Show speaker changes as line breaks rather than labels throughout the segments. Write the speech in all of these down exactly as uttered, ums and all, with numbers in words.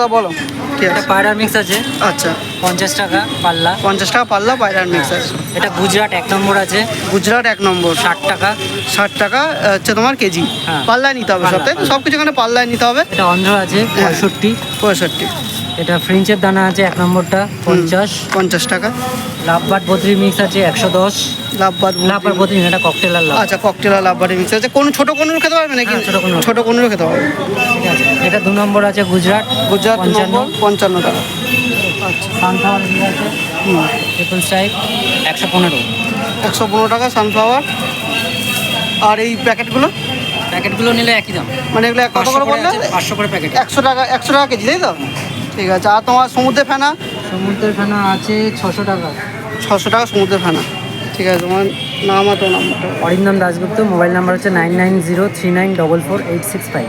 দাদা বলো কি
এটা
আছে?
পায়রা মিক্স আছে
আচ্ছা
পঞ্চাশ টাকা পাল্লা।
পঞ্চাশ টাকা পাল্লা পায়রার মিক্স আছে।
এটা গুজরাট এক নম্বর আছে
গুজরাট এক নম্বর
ষাট টাকা।
ষাট টাকা হচ্ছে তোমার কেজি।
হ্যাঁ।
পাল্লায় নিতে হবে
পাল্লা,
সব তাই
পাল্লা।
সব কিছু এখানে পাল্লায় নিতে হবে।
এটা অন্ধ্র আছে পঁয়ষট্টি।
পঁয়ষট্টি।
এটা ফ্রেঞ্চের দানা আছে এক নম্বরটা পঞ্চাশ।
পঞ্চাশ টাকা।
লাভবাট বদ্রি মিক্স আছে একশো দশ।
লাভবাদ
লাভবাট বদ্রি এটা ককটেল আর লাভ।
আচ্ছা ককটেল আর লাভবাটি মিক্স আছে। কোন ছোট কোনুর খেতে পারবে নাকি?
হ্যাঁ, ছোট কোনুর।
ছোট কোনুরও খেতে পারবে।
ঠিক আছে। এটা দু নম্বর আছে গুজরাট
গুজরাট দু
পঞ্চান্ন।
নম্বর পঞ্চান্ন টাকা। আচ্ছা
সানফ্লাওয়ার আছে
হুম
ট্রিপল স্ট্রাইক একশো পনেরো।
একশো পনেরো টাকা সানফ্লাওয়ার। আর এই প্যাকেটগুলো
প্যাকেটগুলো নিলে একই দাম।
মানে এগুলো কত করে বললে?
পাঁচশো করে প্যাকেট।
একশো টাকা একশো টাকা কেজি তাই তো? ঠিক আছে। আর তোমার সমুদ্রের ফেনা?
সমুদ্রের ফেনা আছে ছশো টাকা।
ছশো টাকা সমুদ্রের ফেনা। ঠিক আছে। তোমার নাম আর তোর নাম্বারটা
অরিন্দম দাশগুপ্ত, মোবাইল নাম্বার হচ্ছে nine nine zero three nine double four eight six five.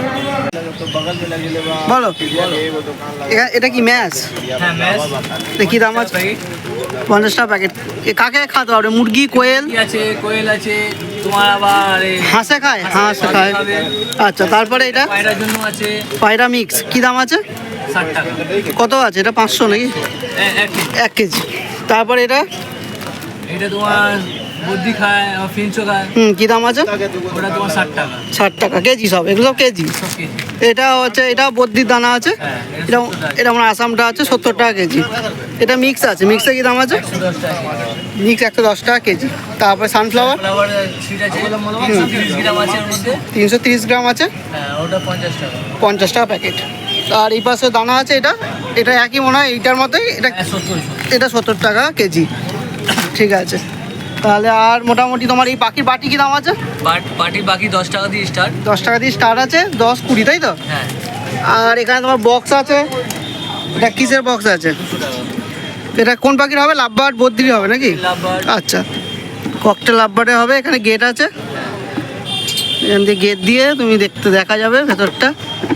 বলো এখা- এটা কি ম্যাচ?
হ্যাঁ ম্যাচ।
কি দাম আছে? পঞ্চাশ টাকা প্যাকেট। এ কাকে খাওয়াতে পারবে? মুরগি, কোয়েল?
আছে কোয়েল আছে তোমার আবার
হাঁসে খায়? হাঁস খায়। আচ্ছা তারপরে এটা
পায়রার জন্য আছে
পায়রা মিক্স কি দাম আছে?
ষাট টাকা।
কত আছে এটা? পাঁচশো নাকি? এক কেজি। তারপরে এটা
এটা তোমার বুদ্ধি খায় ফিনচো খায়।
হুম কি দাম আছে?
ওটা তোমার ষাট টাকা।
ষাট টাকা কেজি সব? এগুলো সব কেজি?
সব কেজি।
এটা হচ্ছে এটা বদ্রির দানা আছে।
হ্যাঁ, এটা
এটা
সত্তর টাকা।
এটা আমার আসামটা আছে সত্তর টাকা কেজি। এটা মিক্স আছে। মিক্সে কি দাম আছে?
একশো দশ টাকা।
মিক্স একশো দশ টাকা কেজি। তারপরে সানফ্লাওয়ার
ফ্লাওয়ার সিট আছে তিনশো তিরিশ গ্রাম আছে এর মধ্যে।
তিনশো তিরিশ গ্রাম আছে
হ্যাঁ ওটা পঞ্চাশ টাকা।
পঞ্চাশ টাকা প্যাকেট। আর এই পাশে দানা আছে এটা এটা একই মনে হয় এইটার মতোই। এটা
হ্যাঁ সত্তর।
এটা সত্তর টাকা কেজি। ঠিক আছে। তাহলে আর মোটামুটি তোমার এই পাখির বাটি কি দাম আছে?
পার্টি বাকি দশ টাকা দিয়ে স্টার্ট।
দশ টাকা দিয়ে স্টার্ট আছে। দশ কুড়ি তাই তো?
হ্যাঁ
আর এখানে তোমার বক্স আছে। এটা কিসের বক্স আছে?
দুশো টাকা।
এটা কোন পাখির হবে? লাভবার্ড বদ্রি হবে নাকি?
লাভবার্ড।
আচ্ছা ককটেল লাভবার্ডে হবে। এখানে গেট আছে। এখান দিয়ে গেট দিয়ে তুমি দেখতে দেখা যাবে ভেতরটা।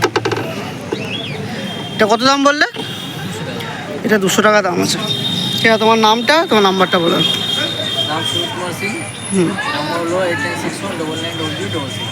এটা কত দাম বললে? এটা দুশো টাকা দাম আছে। ঠিক আছে। তোমার নামটা তোমার নাম্বারটা বলো।
নাম সুমিত কুমার সিং।
হুম
নম্বর হলো eight nine six one double nine double three double six.